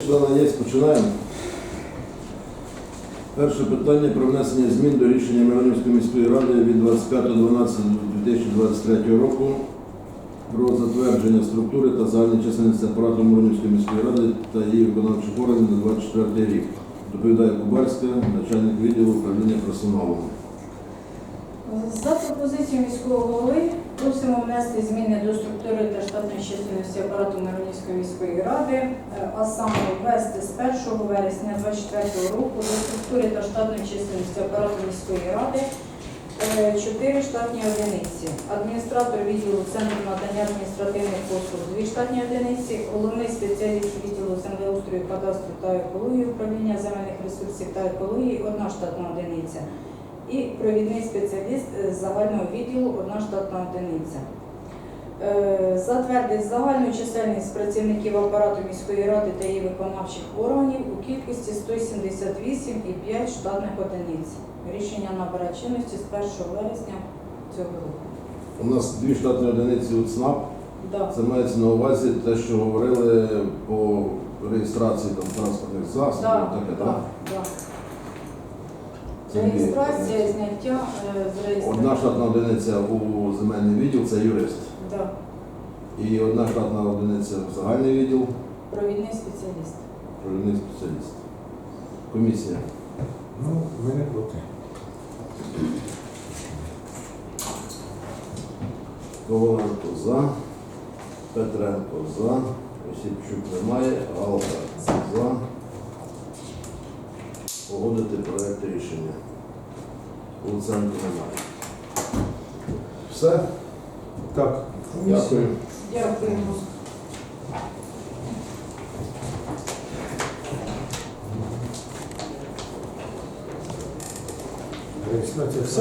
Члени є, починаємо. Перше питання про внесення змін до рішення Миронівської міської ради від 25.12.2023 року про затвердження структури та загальної чисельності апарату Миронівської міської ради та її виконавчих органів на 24 рік. Доповідає Кубарська, начальник відділу управління персоналом. За пропозицією міського голови просимо внести зміни до структури та штатної чисельності апарату Миронівської міської ради, а саме ввести з 1 вересня 2024 року до структури та штатної чисельності апарату міської ради 4 штатні одиниці. Адміністратор відділу Центру надання адміністративних послуг 2 штатні одиниці, головний спеціаліст відділу землеустрою, кадастру та екології управління земельних ресурсів та екології 1 штатна одиниця. І провідний спеціаліст з загального відділу 1 штатна одиниця. Затвердить загальну чисельність працівників апарату міської ради та її виконавчих органів у кількості 178,5 штатних одиниць. Рішення набере чинності з 1 вересня цього року. У нас 2 штатні одиниці у ЦНАП. Да. Це мається на увазі те, що говорили по реєстрації транспортних засобів. Таке, так? Да. Реєстрація, зняття з реєстрації. 1 штатна одиниця у земельний відділ – це юрист. Да. І 1 штатна одиниця в загальний відділ – Провідний спеціаліст. провідний спеціаліст. Комісія. Ну, ми не проти. Коваленко за, Петренко за, Осіпчук немає, Галка за. Погодити проект рішення. Луценко немає. Все? Так. Дякую. Дякуємо. Реєстрація.